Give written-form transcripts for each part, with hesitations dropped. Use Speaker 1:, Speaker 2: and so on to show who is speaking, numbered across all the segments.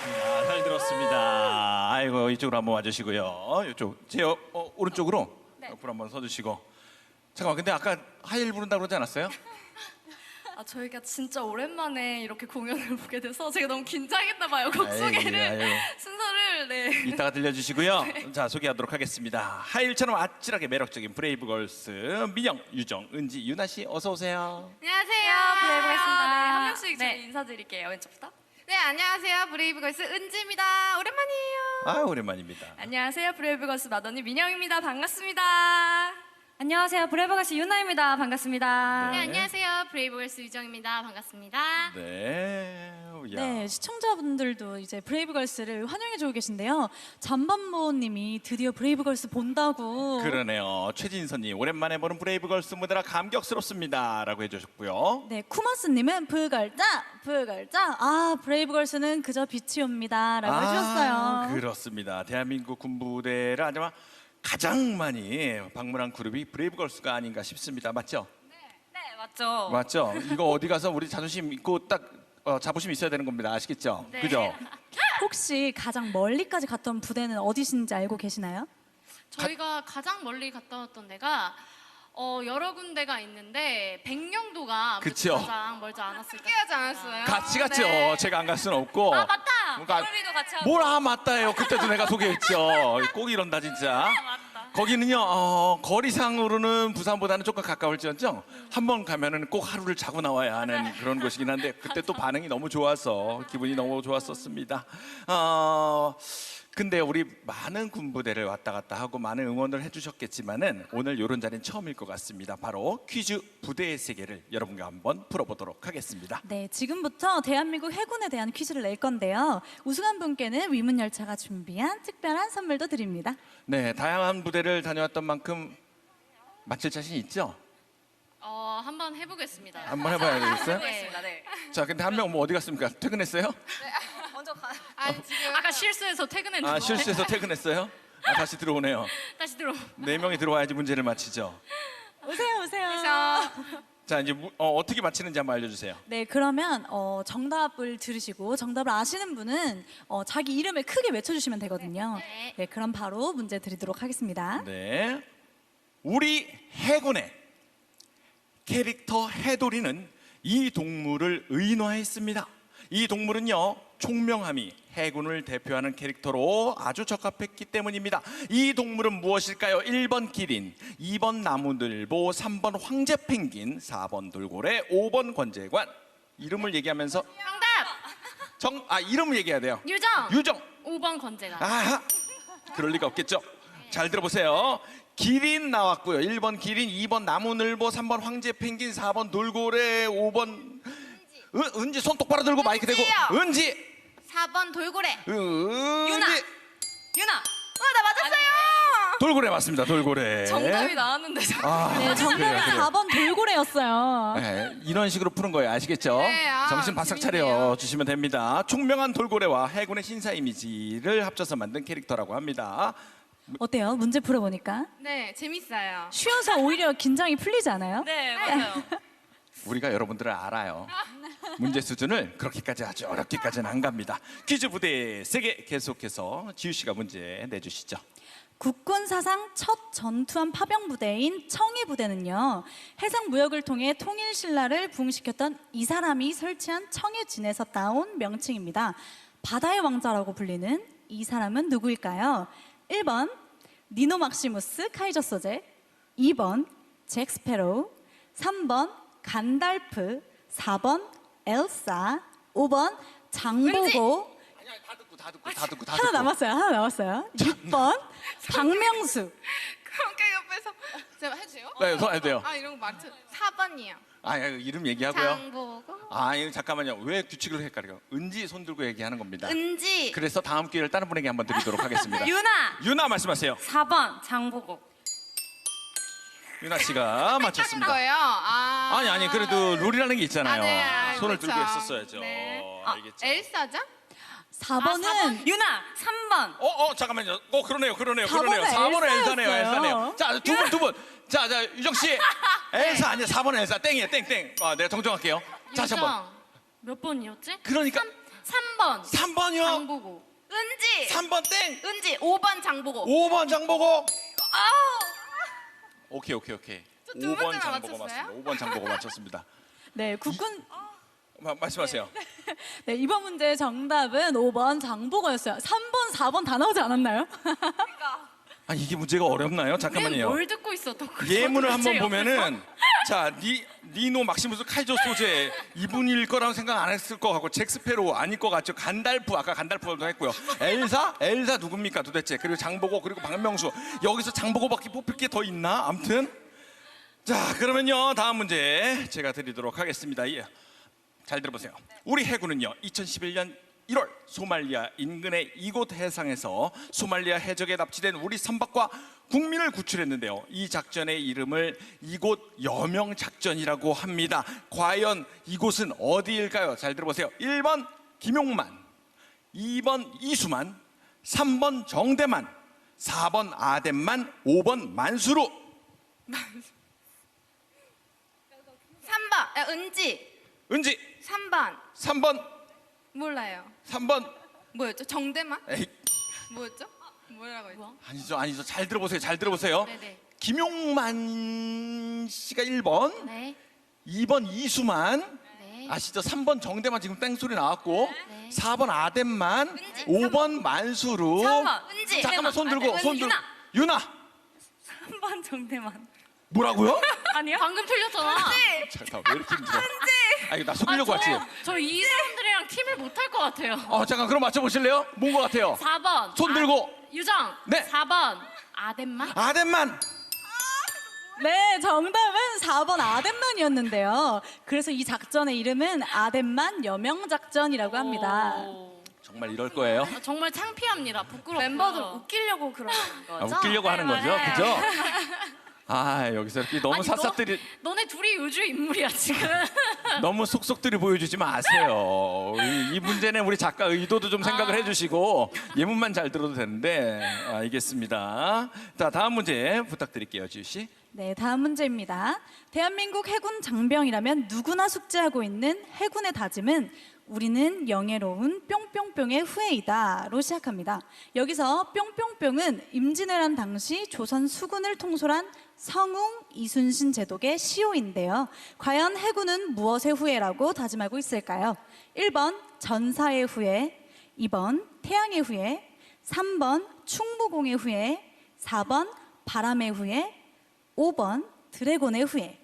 Speaker 1: 잘 들었습니다. 아이고 이쪽으로 한번 와주시고요. 이쪽 제 오른쪽으로
Speaker 2: 네.
Speaker 1: 옆으로 한번 서주시고. 잠깐만, 근데 아까 하이힐 부른다고 그러지 않았어요?
Speaker 2: 저희가 진짜 오랜만에 이렇게 공연을 보게 돼서 제가 너무 긴장했나 봐요. 곡 소개를
Speaker 1: 아이고.
Speaker 2: 순서를
Speaker 1: 이따가 들려주시고요. 자, 소개하도록 하겠습니다. 하이힐처럼 아찔하게 매력적인 브레이브걸스 민영, 유정, 은지, 유나 씨 어서 오세요.
Speaker 3: 안녕하세요.
Speaker 2: 브레이브걸스입니다. 네, 한 명씩
Speaker 3: 네.
Speaker 2: 저희 인사드릴게요. 왼쪽부터.
Speaker 3: 네, 안녕하세요. 브레이브걸스 은지입니다. 오랜만이에요.
Speaker 1: 아, 오랜만입니다.
Speaker 2: 안녕하세요. 브레이브걸스 맏언니 민영입니다. 반갑습니다.
Speaker 4: 안녕하세요. 브레이브걸스 유나입니다. 반갑습니다.
Speaker 3: 네, 안녕하세요. 브레이브걸스 유정입니다. 반갑습니다.
Speaker 1: 네. 야.
Speaker 4: 네, 시청자분들도 이제 브레이브걸스를 환영해주고 계신데요. 잠밤모님이 드디어 브레이브걸스 본다고.
Speaker 1: 그러네요. 최진선님 오랜만에 보는 브레이브걸스 무대라 감격스럽습니다라고 해주셨고요.
Speaker 4: 네, 쿠마스님은 불걸자. 아, 브레이브걸스는 그저 빛이 옵니다라고 해주셨어요.
Speaker 1: 그렇습니다. 대한민국 군부대를 아마 가장 많이 방문한 그룹이 브레이브걸스가 아닌가 싶습니다. 맞죠?
Speaker 4: 네, 맞죠.
Speaker 1: 맞죠? 이거 어디 가서 우리 자존심 있고 딱 자부심 있어야 되는 겁니다. 아시겠죠?
Speaker 2: 네.
Speaker 1: 그죠?
Speaker 4: 혹시 가장 멀리까지 갔던 부대는 어디신지 알고 계시나요?
Speaker 3: 저희가 가장 멀리 갔다 왔던 데가 여러 군데가 있는데 백령도가
Speaker 1: 그쵸.
Speaker 3: 가장 멀지 않았을까? 함께 하지 않았어요?
Speaker 1: 같이 갔죠.
Speaker 3: 네.
Speaker 1: 제가 안 갈 수는 없고.
Speaker 3: 아, 맞다.
Speaker 1: 그러니까
Speaker 4: 우리도 같이 하고.
Speaker 1: 뭘 맞다예요. 그때도 내가 소개했죠. 꼭 이런다 진짜. 거기는요 거리상으로는 부산보다는 조금 가까울지언정 한 번 가면은 꼭 하루를 자고 나와야 하는 그런 곳이긴 한데 그때 또 반응이 너무 좋아서 기분이 너무 좋았었습니다. 근데 우리 많은 군부대를 왔다 갔다 하고 많은 응원을 해주셨겠지만은 오늘 이런 자리는 처음일 것 같습니다. 바로 퀴즈 부대의 세계를 여러분과 한번 풀어보도록 하겠습니다.
Speaker 4: 네, 지금부터 대한민국 해군에 대한 퀴즈를 낼 건데요. 우승한 분께는 위문열차가 준비한 특별한 선물도 드립니다.
Speaker 1: 네, 다양한 부대를 다녀왔던 만큼 맞힐 자신 있죠?
Speaker 3: 한번 해보겠습니다.
Speaker 1: 한번 해봐야 되겠어요?
Speaker 3: 네.
Speaker 2: 네.
Speaker 1: 자, 근데 한 명 뭐 어디 갔습니까? 퇴근했어요?
Speaker 2: 먼저 가.
Speaker 3: 지금
Speaker 2: 아까 실수해서 퇴근했는데.
Speaker 1: 아, 실수해서 퇴근했어요? 아, 다시 들어오네요.
Speaker 3: 다시 들어.
Speaker 1: 네 명이 들어와야지 문제를 맞히죠.
Speaker 4: 오세요.
Speaker 1: 자, 이제 어떻게 맞히는지 한번 알려주세요.
Speaker 4: 네, 그러면 정답을 들으시고 정답을 아시는 분은 자기 이름을 크게 외쳐주시면 되거든요.
Speaker 3: 네.
Speaker 4: 네, 그럼 바로 문제 드리도록 하겠습니다.
Speaker 1: 네, 우리 해군의 캐릭터 해돌이는 이 동물을 의인화했습니다. 이 동물은요 총명함이 해군을 대표하는 캐릭터로 아주 적합했기 때문입니다. 이 동물은 무엇일까요? 1번 기린, 2번 나무늘보, 3번 황제 펭귄, 4번 돌고래, 5번 권재관. 이름을 얘기하면서
Speaker 3: 정답.
Speaker 1: 이름을 얘기해야 돼요.
Speaker 3: 유정.
Speaker 1: 유정.
Speaker 3: 5번 건재가.
Speaker 1: 아하, 그럴 리가 없겠죠. 잘 들어보세요. 기린 나왔고요. 1번 기린, 2번 나무늘보, 3번 황제 펭귄, 4번 돌고래, 5번 은지 손 똑바로 들고 마이크 대고.
Speaker 3: 은지요.
Speaker 1: 은지.
Speaker 3: 4번 돌고래.
Speaker 2: 유나.
Speaker 3: 나 맞았어요.
Speaker 1: 돌고래 맞습니다. 돌고래.
Speaker 2: 정답이 나왔는데.
Speaker 4: 네, 정답은
Speaker 1: 그래요.
Speaker 4: 4번 돌고래였어요.
Speaker 1: 네, 이런 식으로 푸는 거예요. 아시겠죠?
Speaker 3: 네,
Speaker 1: 정신 바싹 차려
Speaker 3: 재밌네요.
Speaker 1: 주시면 됩니다. 총명한 돌고래와 해군의 신사 이미지를 합쳐서 만든 캐릭터라고 합니다.
Speaker 4: 어때요? 문제 풀어보니까
Speaker 3: 네, 재밌어요.
Speaker 4: 쉬어서 오히려 긴장이 풀리지 않아요?
Speaker 2: 네, 맞아요.
Speaker 1: 우리가 여러분들을 알아요. 문제 수준을 그렇게까지 아주 어렵게까지는 안 갑니다. 퀴즈 부대의 세계 계속해서 지우 씨가 문제 내주시죠.
Speaker 4: 국군 사상 첫 전투함 파병 부대인 청해 부대는요, 해상 무역을 통해 통일 신라를 부흥시켰던 이 사람이 설치한 청해진에서 따온 명칭입니다. 바다의 왕자라고 불리는 이 사람은 누구일까요? 1번 니노 막시무스 카이저 소제, 2번 잭 스페로우, 3번 간달프, 4번 엘사, 5번 장보고.
Speaker 1: 아니야, 다 듣고
Speaker 4: 하나 남았어요. 6번 박명수.
Speaker 3: 그러니까 옆에서 제가 해주세요?
Speaker 1: 네, 손 해도 돼요.
Speaker 3: 이런 거 맞죠? 4번이요.
Speaker 1: 이름 얘기하고요.
Speaker 3: 장보고.
Speaker 1: 이거 잠깐만요. 왜 규칙을 헷갈려요? 은지 손 들고 얘기하는 겁니다.
Speaker 3: 은지.
Speaker 1: 그래서 다음 기회를 다른 분에게 한번 드리도록 하겠습니다.
Speaker 2: 유나.
Speaker 1: 말씀하세요.
Speaker 2: 4번 장보고.
Speaker 1: 유나 씨가 맞췄습니다.
Speaker 3: 거예요?
Speaker 1: 아니 그래도 룰이라는 게 있잖아요.
Speaker 3: 네,
Speaker 1: 손을
Speaker 3: 그렇죠.
Speaker 1: 들고 했었어야죠.
Speaker 3: 네.
Speaker 1: 알겠죠?
Speaker 3: 엘사죠?
Speaker 4: 4번은
Speaker 2: 유나. 3번.
Speaker 1: 잠깐만요. 그러네요.
Speaker 4: 4번은
Speaker 1: 4번은
Speaker 4: 엘사였어요.
Speaker 1: 엘사네요. 자, 두 분. 자, 유정 씨. 엘사 아니야. 4번 엘사. 땡이에요. 땡. 내가 정정할게요. 다시 한 번.
Speaker 3: 몇 번이었지?
Speaker 1: 그러니까
Speaker 3: 3번
Speaker 1: 3번이요.
Speaker 3: 장보고.
Speaker 2: 은지.
Speaker 1: 3번 땡.
Speaker 2: 은지 5번 장보고.
Speaker 1: 5번 장보고.
Speaker 2: 아.
Speaker 1: 오케이.
Speaker 2: 두
Speaker 1: 5번
Speaker 2: 번째나
Speaker 1: 장보고
Speaker 2: 맞췄어요?
Speaker 1: 맞습니다. 5번 장보고 맞췄습니다.
Speaker 4: 네, 국군
Speaker 1: 말씀하세요.
Speaker 4: 네, 이번 문제 정답은 5번 장보고였어요. 3번, 4번 다 나오지 않았나요?
Speaker 1: 아니 이게 문제가 어렵나요? 잠깐만요.
Speaker 3: 뭘 듣고 있었던 거죠?
Speaker 1: 예문을 한번
Speaker 3: 도대체
Speaker 1: 보면은 자 니노 막시무스 카이조 소재 이분일 거라고 생각 안 했을 것 같고 잭스페로 아닐 것 같죠. 간달프 아까 간달프도 했고요. 엘사 누굽니까 도대체. 그리고 장보고 그리고 박명수 여기서 장보고밖에 뽑힐 게 더 있나? 암튼 자 그러면요 다음 문제 제가 드리도록 하겠습니다. 예. 잘 들어보세요. 우리 해군은요 2011년 1월 소말리아 인근의 이곳 해상에서 소말리아 해적에 납치된 우리 선박과 국민을 구출했는데요. 이 작전의 이름을 이곳 여명 작전이라고 합니다. 과연 이곳은 어디일까요? 잘 들어보세요. 1번 김용만, 2번 이수만, 3번 정대만, 4번 아덴만, 5번 만수루.
Speaker 2: 3번. 은지.
Speaker 1: 은지
Speaker 2: 3번.
Speaker 1: 3번
Speaker 2: 몰라요.
Speaker 1: 3번
Speaker 2: 뭐였죠? 정대만?
Speaker 1: 에이
Speaker 2: 뭐였죠? 뭐라고 했죠?
Speaker 1: 아니죠. 잘 들어보세요.
Speaker 3: 네네.
Speaker 1: 김용만 씨가 1번,
Speaker 3: 네.
Speaker 1: 2번 이수만,
Speaker 3: 네.
Speaker 1: 아시죠? 3번 정대만 지금 땡소리 나왔고,
Speaker 3: 네.
Speaker 1: 4번 아덴만,
Speaker 2: 은지.
Speaker 1: 5번 만수루.
Speaker 2: 3번. 은지.
Speaker 1: 잠깐만 손 들고
Speaker 2: 아덴.
Speaker 1: 손 들고.
Speaker 2: 유나.
Speaker 1: 유나
Speaker 2: 3번 정대만.
Speaker 1: 뭐라고요?
Speaker 2: 아니요?
Speaker 3: 방금 틀렸잖아.
Speaker 1: 잠깐 왜 이렇게 힘들어? 아 이거 나 속이려고 왔지?
Speaker 3: 저 이 사람들이랑 팀을 못 할 것 같아요.
Speaker 1: 잠깐 그럼 맞춰보실래요? 뭔 것 같아요?
Speaker 3: 4번.
Speaker 1: 손 들고.
Speaker 3: 유정.
Speaker 1: 네.
Speaker 3: 4번. 아덴만.
Speaker 1: 아덴만.
Speaker 4: 네, 정답은 4번 아덴만이었는데요. 그래서 이 작전의 이름은 아덴만 여명 작전이라고 합니다.
Speaker 3: 오.
Speaker 1: 정말 이럴 거예요?
Speaker 3: 정말 창피합니다. 부끄럽고.
Speaker 2: 멤버들 웃기려고 그러는 거죠?
Speaker 1: 웃기려고 하는 거죠,
Speaker 3: 네.
Speaker 1: 그죠? 아 여기서 이렇게 너무
Speaker 3: 아니,
Speaker 1: 샅샅들이
Speaker 3: 너네 둘이 요주 인물이야 지금.
Speaker 1: 너무 속속들이 보여주지 마세요. 이 문제는 우리 작가 의도도 좀 생각을 해주시고 예문만 잘 들어도 되는데 알겠습니다. 자 다음 문제 부탁드릴게요, 지우 씨.
Speaker 4: 네, 다음 문제입니다. 대한민국 해군 장병이라면 누구나 숙지하고 있는 해군의 다짐은 우리는 영예로운 뿅뿅뿅의 후예이다로 시작합니다. 여기서 뿅뿅뿅은 임진왜란 당시 조선 수군을 통솔한 성웅 이순신 제독의 시호인데요. 과연 해군은 무엇의 후예라고 다짐하고 있을까요? 1번 전사의 후예, 2번 태양의 후예, 3번 충무공의 후예, 4번 바람의 후예, 5번 드래곤의 후예.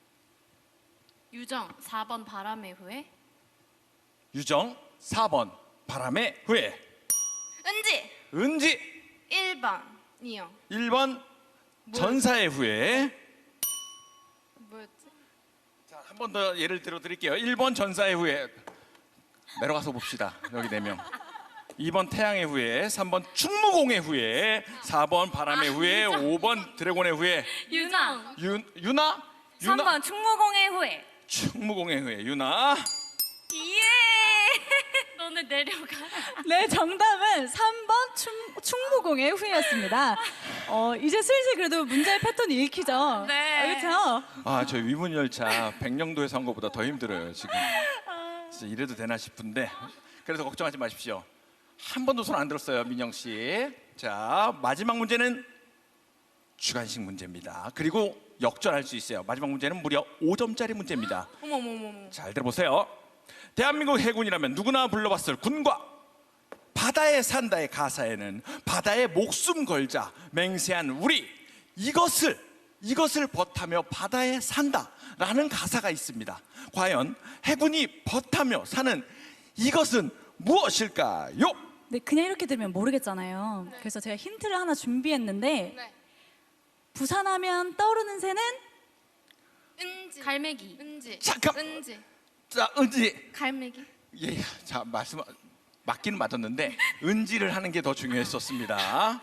Speaker 3: 유정 4번 바람의 후예.
Speaker 1: 유정 4번 바람의 후예.
Speaker 2: 은지.
Speaker 1: 은지
Speaker 2: 1번이요.
Speaker 1: 1번 전사의 후예.
Speaker 2: 뭐였지?
Speaker 1: 자, 한 번 더 예를 들어 드릴게요. 1번 전사의 후예. 내려가서 봅시다. 여기 4명. 2번 태양의 후예, 3번 충무공의 후예, 4번 바람의 후예, 5번 드래곤의 후예.
Speaker 3: 유정
Speaker 1: 유나?
Speaker 2: 3번 충무공의 후예.
Speaker 1: 충무공의 후예. 유나.
Speaker 2: 예.
Speaker 3: 너네 내려가.
Speaker 4: 네, 정답은 3번 충무공의 후예였습니다. 이제 슬슬 그래도 문제의 패턴이 읽히죠?
Speaker 2: 네.
Speaker 4: 그렇죠?
Speaker 1: 저 위문열차 백령도에서 한 것보다 더 힘들어요 지금. 진짜 이래도 되나 싶은데 그래서 걱정하지 마십시오. 한 번도 손 안 들었어요, 민영 씨. 자 마지막 문제는 주관식 문제입니다. 그리고 역전할 수 있어요. 마지막 문제는 무려 5점짜리 문제입니다.
Speaker 2: 어머머머머.
Speaker 1: 잘 들어보세요. 대한민국 해군이라면 누구나 불러봤을 군과 바다에 산다의 가사에는 바다에 목숨 걸자 맹세한 우리 이것을 벗하며 바다에 산다라는 가사가 있습니다. 과연 해군이 벗하며 사는 이것은 무엇일까요?
Speaker 4: 네, 그냥 이렇게 들으면 모르겠잖아요. 그래서 제가 힌트를 하나 준비했는데
Speaker 2: 네.
Speaker 4: 부산하면 떠오르는 새는
Speaker 2: 은지.
Speaker 3: 갈매기.
Speaker 2: 은지.
Speaker 1: 잠깐.
Speaker 2: 은지.
Speaker 1: 자, 은지.
Speaker 2: 갈매기.
Speaker 1: 예, 자 말씀 맞기는 맞았는데 은지를 하는 게 더 중요했었습니다.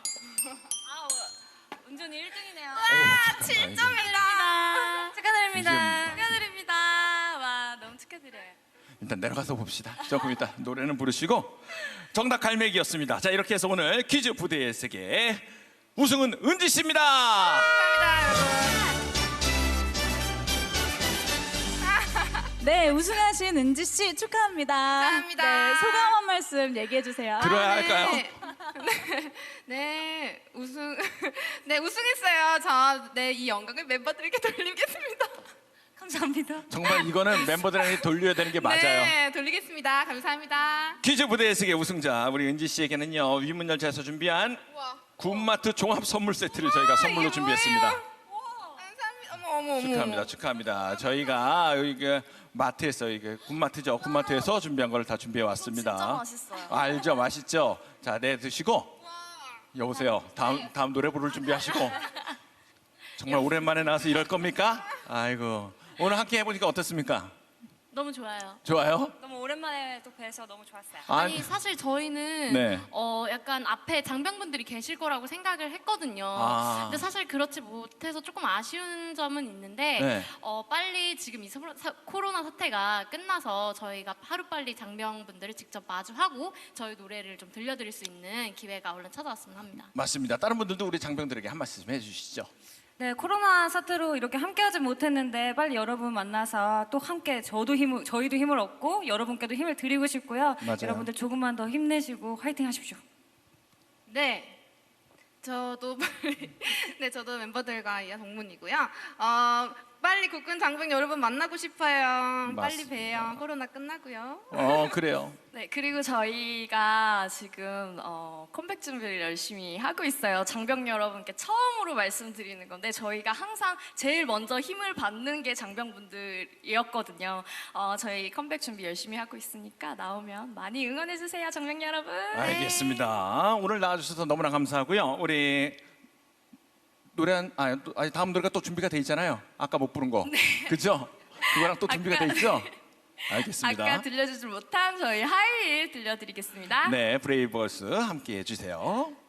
Speaker 2: 운전이 1등이네요.
Speaker 1: 와,
Speaker 2: 7점이다. 축하드립니다.
Speaker 1: 이게
Speaker 2: 축하드립니다. 와, 너무 축하드려요.
Speaker 1: 일단 내려가서 봅시다. 조금 이따 노래는 부르시고 정답 갈매기였습니다. 자 이렇게 해서 오늘 퀴즈 부대의 세계 우승은 은지 씨입니다.
Speaker 2: 감사합니다, 여러분.
Speaker 4: 네, 우승하신 은지 씨 축하합니다.
Speaker 3: 감사합니다.
Speaker 4: 네, 소감 한 말씀 얘기해 주세요.
Speaker 1: 들어야 할까요?
Speaker 3: 네, 네, 우승했어요. 저, 네, 이 영광을 멤버들에게 돌리겠습니다.
Speaker 4: 감사합니다.
Speaker 1: 정말 이거는 멤버들에게 돌려야 되는 게 맞아요.
Speaker 3: 네, 돌리겠습니다. 감사합니다.
Speaker 1: 퀴즈 무대에서의 우승자 우리 은지 씨에게는요 위문열차에서 준비한
Speaker 3: 우와.
Speaker 1: 군마트 종합 선물 세트를 저희가 선물로
Speaker 3: 이게
Speaker 1: 준비했습니다.
Speaker 3: 감사합니다. 어머.
Speaker 1: 축하합니다, 축하합니다. 저희가 여기 그 마트에서 이게 군마트죠. 군마트에서 준비한 걸 다 준비해 왔습니다.
Speaker 2: 진짜 맛있어요.
Speaker 1: 알죠, 맛있죠. 자, 네 드시고 여보세요. 다음 노래 부를 준비하시고 정말 오랜만에 나와서 이럴 겁니까? 아이고 오늘 함께 해보니까 어떻습니까?
Speaker 3: 너무 좋아요.
Speaker 1: 좋아요?
Speaker 2: 너무 오랜만에 또 뵈서 너무 좋았어요.
Speaker 3: 아니 사실 저희는
Speaker 1: 네.
Speaker 3: 약간 앞에 장병분들이 계실 거라고 생각을 했거든요.
Speaker 1: 아.
Speaker 3: 근데 사실 그렇지 못해서 조금 아쉬운 점은 있는데
Speaker 1: 네.
Speaker 3: 빨리 지금 이 코로나 사태가 끝나서 저희가 하루빨리 장병분들을 직접 마주하고 저희 노래를 좀 들려드릴 수 있는 기회가 얼른 찾아왔으면 합니다.
Speaker 1: 맞습니다. 다른 분들도 우리 장병들에게 한 말씀 좀 해주시죠.
Speaker 5: 네, 코로나 사태로 이렇게 함께하지 못했는데 빨리 여러분 만나서 또 함께 저희도 힘을 얻고 여러분께도 힘을 드리고 싶고요.
Speaker 1: 맞아요.
Speaker 5: 여러분들 조금만 더 힘내시고 화이팅 하십시오.
Speaker 3: 네. 저도 네, 저도 멤버들과 이하 동문이고요. 빨리 국군 장병 여러분 만나고 싶어요. 빨리
Speaker 1: 맞습니다.
Speaker 3: 봬요. 코로나 끝나고요.
Speaker 1: 그래요.
Speaker 2: 네, 그리고 저희가 지금 컴백 준비를 열심히 하고 있어요. 장병 여러분께 처음으로 말씀드리는 건데 저희가 항상 제일 먼저 힘을 받는 게 장병분들이었거든요. 저희 컴백 준비 열심히 하고 있으니까 나오면 많이 응원해 주세요, 장병 여러분.
Speaker 1: 알겠습니다. 오늘 나와주셔서 너무나 감사하고요. 우리 노래 다음 노래가 또 준비가 돼 있잖아요. 아까 못 부른 거, 그죠? 그거랑 또 준비가 돼 있죠? 알겠습니다.
Speaker 2: 아까 들려주지 못한 저희 하이힐 들려드리겠습니다.
Speaker 1: 네, 브레이브걸스 함께 해주세요.